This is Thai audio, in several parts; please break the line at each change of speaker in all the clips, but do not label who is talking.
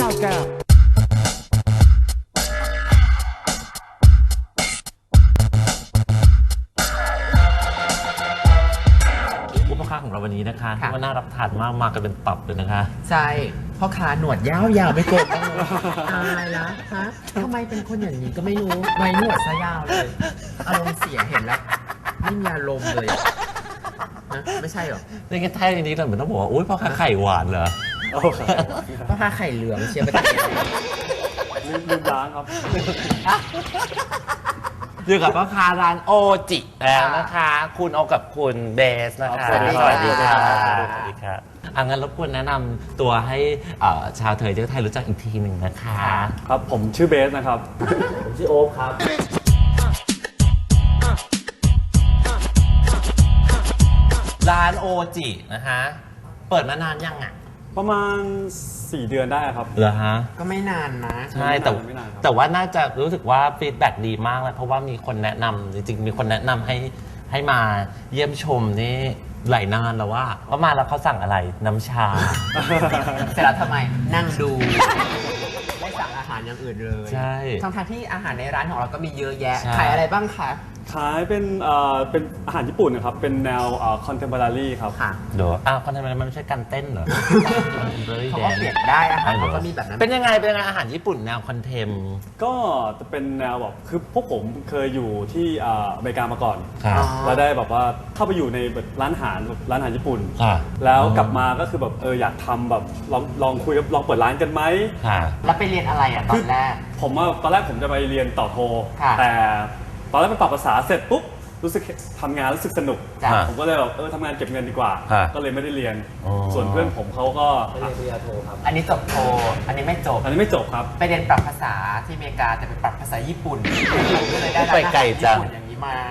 อุปกรณ์ของเราวันนี้นะคะว่าน่ารับทานมากมากันเป็นตับเลยนะคะ
ใช่พ่อค้าหนวดยาวๆไม่โกงบ้างเลยตายละฮะทำไมเป็นคนอย่างนี้ก็ไม่รู้ไว้หนวดซะยาวเลยอารมณ์เสียเห็นแล้วไม่มีอารมณ์เลยนะไม่ใช่หรอ
ในแค่แท้จริงๆเราเหมือนต้องบอกว่าอุ้ยพ่อค้าไข่หวานเหรอ
พ่อค้าไข่เหลืองเชียร์ไปตัด
ลืมล้างครับ
อยู่กับพ่อค้าร้านโอจิแล้วนะคะคุณโอกับคุณเบสนะคะ
สวัสดีค่ะ
สวัสดีค่ะงั้นรบกวนแนะนำตัวให้ชาวเทยเจ้าไทยรู้จักอีกทีหนึ่งนะคะ
ครับผมชื่อเบสนะครับ
ผมชื่อโอ๊คครับร้านโอจินะคะเปิดมานานยังอ่ะ
ประมาณ4 เดือนได้ครับ
เหรอฮะ
ก็ไม่นานนะ
ใช่แต่ว่าน่าจะรู้สึกว่าฟีดแบ็กดีมากเลยเพราะว่ามีคนแนะนำจริงๆมีคนแนะนำให้มาเยี่ยมชมนี่หลายนานแล้วว่าก็มาแล้วเขาสั่งอะไรน้ำชา
เสร็จแล้วทำไมนั่งดูไม่สั่งอาหารอย่างอื่นเลย
ใช่
ทั้งที่อาหารในร้านของเราก็มีเยอะแยะขายอะไรบ้างคะ
ขายเป็นอาหารญี่ปุ่นนะครับเป็นแนวคอนเทมพอรารีครับ
ค่ะ
เดี๋ยวคอนเทมพอรารีมันไม่ใช่การเต้นเหรอ
เขาก็เปลี่ยนได้อาหารเขาก็มีแบบนั้น
เป็นยังไงอาหารญี่ปุ่นแนวคอนเทม
ก็จะเป็นแนวแบบคือพวกผมเคยอยู่ที่อเมริกามาก่อนแล้วได้แบบว่าเข้าไปอยู่ในร้านอาหารญี่ปุ่นแล้วกลับมาก็คือแบบอยากทำแบบลองคุยลองเปิดร้านกันไหม
แล้วไปเรียนอะไรตอนแรก
ตอนแรกผมจะไปเรียนต่อโทแต่ตอนแรกไปปรับภาษาเสร็จปุ๊บรู้สึกทำงานรู้สึกสนุกผมก็เลยแบบทำงานเก็บเงินดีกว่าก็เลยไม่ได้เรียนส่วนเพื่อนผมเขาก็
เรียนปริญญาโทครับอันนี้จบโทอันนี้ไม่จบ
ครับ
ไปเรียนปรับภาษาที่อเมริกาแต่ไปปรับภาษาญี่ปุ่นก็เลยได้
ไปไกลจัง
อย่างนี้มา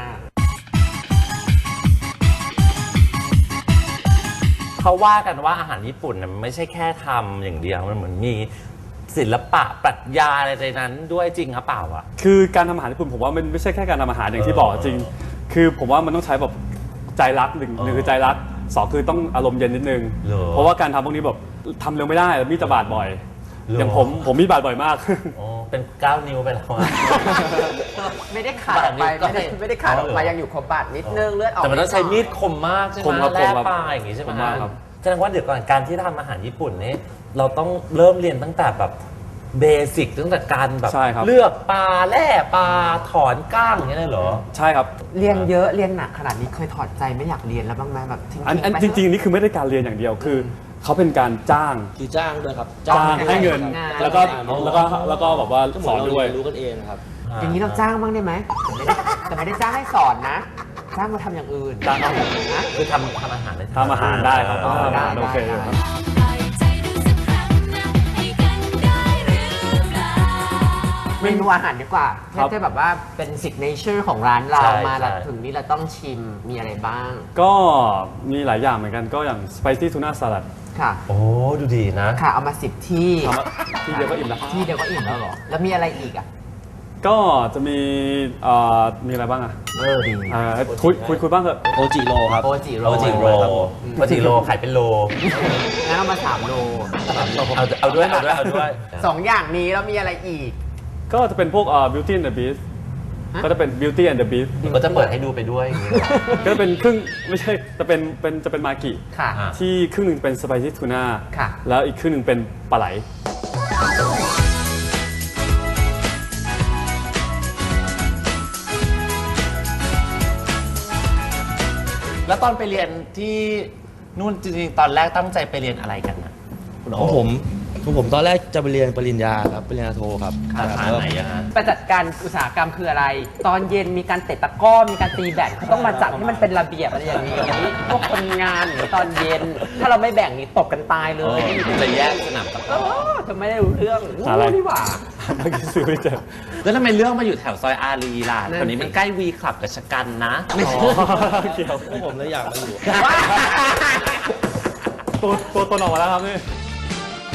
เขาว่ากันว่าอาหารญี่ปุ่นมันไม่ใช่แค่ทำอย่างเดียวมันเหมือนมีศิลปะปรัชญาอะไรในนั้นด้วยจริงหรือเปล่าอ่ะ
คือการทำอาหารญี่ปุ่นผมว่ามันไม่ใช่แค่การทำอาหารอย่างที่บอกจริงคือผมว่ามันต้องใช้แบบใจรักหนึ่งคือใจรัก2คือต้องอารมณ์เย็นนิดนึงเพราะว่าการทำพวกนี้แบบทำเร็วไม่ได้มีดจะบาดบ่อยอย่างผมมีดบาดบ่อยมาก
เป็น9 นิ้วไปแล้ว
ไม่ได้ขาดไปไม่ได้ขาดออกไปยังอยู่ครบบาดนิดนึงเลือดออก
แต่มันต้องใช้มีดคมมากใช่ไหมแล่ปลาอย่างงี้ใช่ไหมครับแสดงว่าเดี๋ยวก่อนการที่ทำอาหารญี่ปุ่นนี่เราต้องเริ่มเรียนตั้งแต่แบบเบสิกตั้งแต่การแบบเลือกปลาแล่ปลาถอนก้างอย่างนี้เลยเหรอ
ใช่ครับ
เรียนเยอะเรียนหนักขนาดนี้เคยถอดใจไม่อยากเรียนแล้วบ้างไหมแบบ
จริงๆนี่คือไม่ได้การเรียนอย่างเดียวคือเขาเป็นการจ้าง
คือจ้างด้วยครับ
จ้างให้เงินแล้วก็แบบว่าสอนด้วย
รู้กันเองครับ
อย่างนี้เราจ้างบ้างได้ไหมแต่ไม่ได้จ้างให้สอนนะจ้างมาทำอย่างอื่น
จ้างนะคือทำอาหาร
ได้ครับโอเคครับ
เมนูอาหารดีกว่าแค่แบบว่าเป็นซิกเนเจอร์ของร้านเรามาแล้วถึงนี้เราต้องชิมมีอะไรบ้าง
ก็มีหลายอย่างเหมือนกันก็อย่าง spicy tuna salad
ค่ะ
โอ้ดูดีนะ
ค่ะเอามา10ที่
ที่เดียวก็อิ่มแล้ว
ที่เดียวก็อิ่มแล้วเหรอแล้วมีอะไรอีกอ่ะ
ก็จะมีอะไรบ้างอ่ะ
ดี
คุยบ้างเถอะ
โอจิโรครับ
โอจิโ
รขายเป็นโล
งั้นเอามา3 โล
เอาด้วย
2 อย่างนี้แล้วมีอะไรอีก
ก็จะเป็นพวกBeauty and the Beast ก็จะเป็น Beauty and the Beast
ก็จะเปิดให้ดูไปด้วย
ก็จะเป็นครึ่งไม่ใช่จะเป็นมากิที่ครึ่งหนึ่งเป็นสไปซี่ทูน่าแล้วอีกครึ่งหนึ่งเป็นปลาไหล
แล้วตอนไปเรียนที่นู่นจริงๆตอนแรกตั้งใจไปเรียนอะไรกันนะ
ผมตอนแรกจะไปเรียนปริญญาครับปริญญาโทครับ
สาขาไหนฮะ
ประจัดการอุตสาหกรรมคืออะไรตอนเย็นมีการเตะตะกร้อมีการตีแบดเขาต้องมาจัดให้มันเป็นระเบียบอะไรอย่างนี้พวกคนงานหรือตอนเย็นถ้าเราไม่แบ่งนี่ตกกันตายเลย
จะแยกสนามตะกร้อ
เธอไม่ได้รู้เรื่องนี่หว่า
เมื่อกี้ซื้อไม่เจอ
แล้วทำไมเรื่องมาอยู่แถวซอยอารีล่ะตอนนี้มันใกล้วีคลับกับชกันนะ
ไม่ใช่เกี่ยวผมเลยอยากมาอยู่
ตัวตนออกมาแล้วครับนี่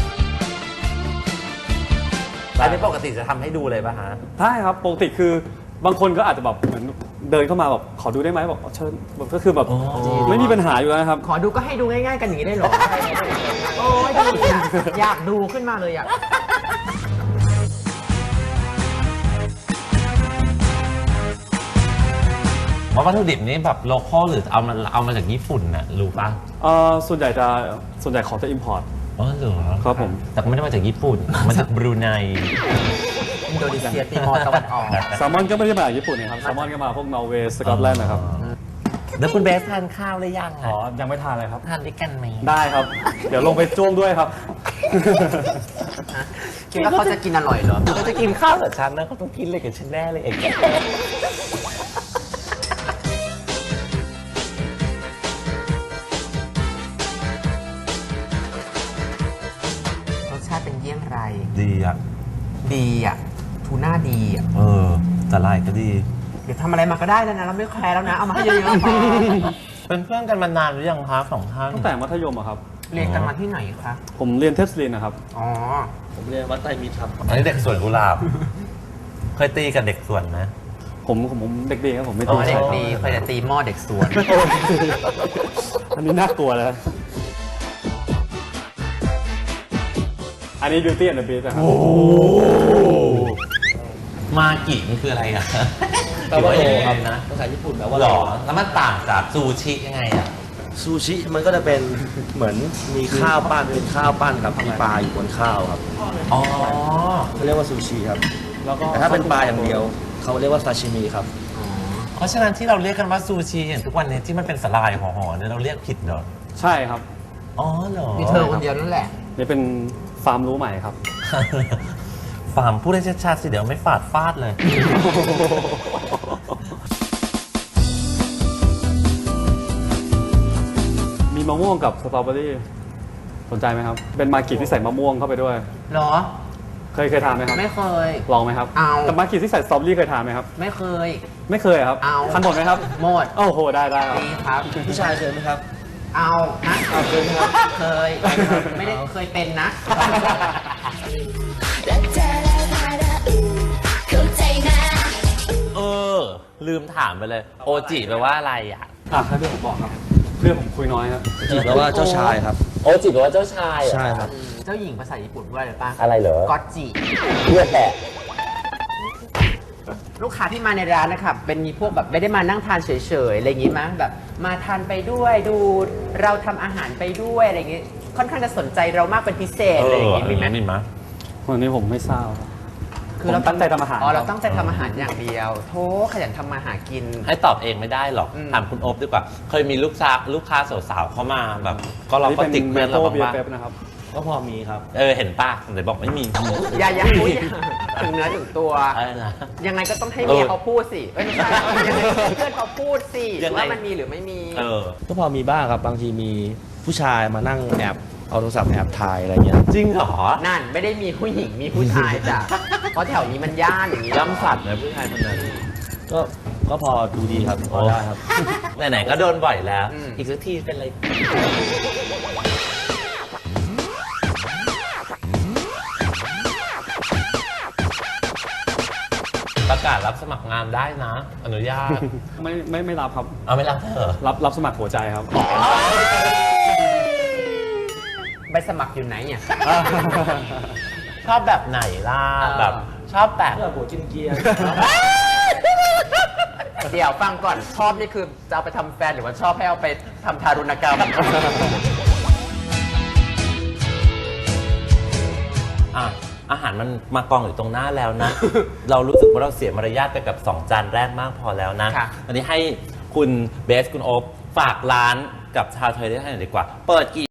อันนี้ปกติจะทำให้ดูเลยป่ะฮะ
ใช่ครับปกติคือบางคนก็อาจจะแบบเหมือนเดินเข้ามาแบบขอดูได้ไหมบอกเชิญแบบก็คือแบบไม่มีปัญหาอยู่แล้วนะครับ
ขอดูก็ให้ดูง่ายๆกันอย่างนี้ได้เหรอ โอ้ยดีอะอยากดูขึ้นมาเลยอะ
ว่าวัตถุดิบนี้แบบโลคอลหรือเอามาจากญี่ปุ่นน่ะรู้ป่ะ
ส่วนใหญ่ขอจะ import
อ๋อเหรอ
ครับผม
แต่ก็ไม่ได้มาจากญี่ปุ่น มาจากบรูไน
อินโดนีเซียติมอร์ตะวันออก
แซลมอนก็ไม่ได้มาจากญี่ปุ่นนะครับแซลมอนก็มาพวกนอร์เวย์สกอตแลนด์นะครับ
แล้วคุณเบสทานข้าวหรือยัง
อ๋อ
อ่ะ
ยังไม่ทานเลยครับ
ทานด้วยกันไหม
ได้ครับ เดี๋ยวลงไปจ้วงด้วยครับ
คิดว่าเขาจะกินอร่อยเหรอ
เขาจะกินข้าวกับฉันนะเขาต้องกินเลยกับฉันแน่เลยเอง
รสชาติเป็นเยี่ยงไร
ดีอ่ะ
ดีอ่ะ ทูน่าดีอ่ะ
สาลายก็ดี
เดี๋ยวทำอะไรมาก็ได้แล้วนะ เราไม่แคร์แล้วนะ เอามาให้เยอะๆพอ
เป็นเพื่อนกันมานานหรือยังคะสองท่าน
ตั้งแต่มัธยมอะครับ
เรียนกันมาที่ไหนคะ
ผมเรียนเทสลินนะครับ
อ๋อ
ผมเรียนวัดไตรมิตรครับ
อันนี้เด็กสวนกุหลาบ เคยตีกับเด็กสวนไหม
ผมเด็กดีครับผมไม่
อ๋
ตี
อเด็กดีเคยแต่ตีหม้อเด็กสวน
อันนี้น่ากลัวเลยอันนี้ Beauty and the Beast นะครับ
มากิมันคืออะไรอ่ะ
แปลว่า
หรือ
โล
ยัง
ค
ไง
รับ
นะ
ภาษาญี่ปุ่นแปลว่า
หรอแล้วมันต่างจากซูชิยังไงอ่ะ
ซูชิมันก็จะเป็นเหมือนมีข้าวปั้นเป็นข้าวปั้นครับมีปลาอยู่บนข้าวครับ
อ๋อ
เขาเรียกว่าซูชิครับ
แล้วก็
แต่ถ้าเป็นปลาอย่างเดียวเขาเรียกว่าซาชิมิครับ
เพราะฉะนั้นที่เราเรียกกันว่าซูชิอย่างทุกวันนี้ที่มันเป็นสลายห่อๆเนี่ยเราเรียกผิดเหรอ
ใช่ครับ
อ๋อเหรอ
มีเธอคนเดียวนั่นแหละ
นี่เป็นฟาร์มรู้ใหม่ครับ
ฟาร์มพูดให้ชัดๆสิเดี๋ยวไม่ฟาดเลย
มีมะม่วงกับสตรอเบอรี่สนใจไหมครับ เป็นมากิที่ใส่มะม่วงเข้าไปด้วย
เหรอ
เคยทานไหมครับ
ไม่เคย
ลองไหมครับ
เอา
แต่มากิที่ใส่สตรอเบอรี่เคยทานไหมครับ
ไม่เคย
ไม่เคยครับ
เอา
ทานหมดไหมครับ
หมด
โอ้โหได้ครับ
ดีครับ
ผู้ชายเคยไหมครับ
เอานะเคยครับเคย ไม่ได้เคยเป็นนะ
รักเธอแล้วพาราเข้าใจนะ
ลืมถามไปเลย โอจิแปลว่าอะไรอ่ะ
ให้เพื่อนผมบอกครับ เพื่อนผมคุยน้อยครับ
จีแปลว่าเจ้าชายครับ
โอจิแปลว่าเจ้าชายเหรอ
ใช่ครับ
เจ้าหญิงภาษาญี่ปุ่นว่าอะไรป้า
อะไรเหรอ
ก็อตจิ
เพื่อแหละ
ลูกค้าที่มาในร้านนะครับเป็นมีพวกแบบไม่ได้มานั่งทานเฉยๆอะไรอย่างงี้มั้งแบบมาทานไปด้วยดูเราทำอาหารไปด้วยอะไรอย่างงี้ค่อนข้างจะสนใจเรามากเป็นพิเศษอะไรอย่างงี้มีไหม
มีไหม
วันนี้ผมไม่ทราบ
คือเรา
ผมตั้งใจทำอาหาร
อ๋อเรา
ครับ
ตั้งใจทำอาหารอย่างเดียวโธ่ขยันทำมาหากิน
ให้ตอบเองไม่ได้หรอก
อืม
ถามคุณโอ๊บดีกว่า เคยมีลูกค้าสาวๆเข้ามาแบบ ก็เรา
นี่
ก็
เป็น
ติด
เม
เพื่อน
โต้
เรา
เบีย
บ้าง
ร์เป๊ปนะครับ
ก็พอมีครับ
เห็นป่ะไหนบอกไม่มี
อย่าพูดถึงเนื้อถึงตัว
อะไรนะ
ยังไงก็ต้องให้เมียเขาพูดสิไม่ใช่ยังไงก็ให้เพื่อนเขาพูดสิ
ยังไง
ว่ามันมีหรือไม่มี
ก็พอมีบ้างครับ บางทีมีผู้ชายมานั่งแอบเอาโทรศัพท์แอบถ่ายอะไรเงี้ย
จริงเหรอ
นั่นไม่ได้มีผู้หญิงมีผู้ชายจ้ะ เพราะแถวนี้มันย่านอย่างนี้
ย่ำสัตว์นะผู้ชายคนนั้น
ก็พอดูดีครับพอได้ครับ
ไหนๆก็โดนบ่อยแล้ว อีกสักทีเป็นไร ประกาศรับสมัครงานได้นะ อนุญาต
ไม่รับครับ
เอาไม่รับเถอะ
รับสมัครหัวใจครับ
ใบสมัครอยู่ไหนเนี่ย
ชอบแบบไหนล่ะ แบบชอบแบบ
เพื่อหัวกินเกียร์
เดี๋ยวฟังก่อนชอบนี่คือจะเอาไปทำแฟนหรือว่าชอบให้เอาไปทำทารุณกรรม
อาหารมันมากองอยู่ตรงหน้าแล้วนะ เรารู้สึกว่าเราเสียมารยาทไปกับ 2 จานแรกมากพอแล้วนะ
ค่ะ
วันนี้ให้คุณเบสคุณโอ๊บฝากร้านกับชาวไทยได้ให้หน่อยดีกว่า เปิดกี่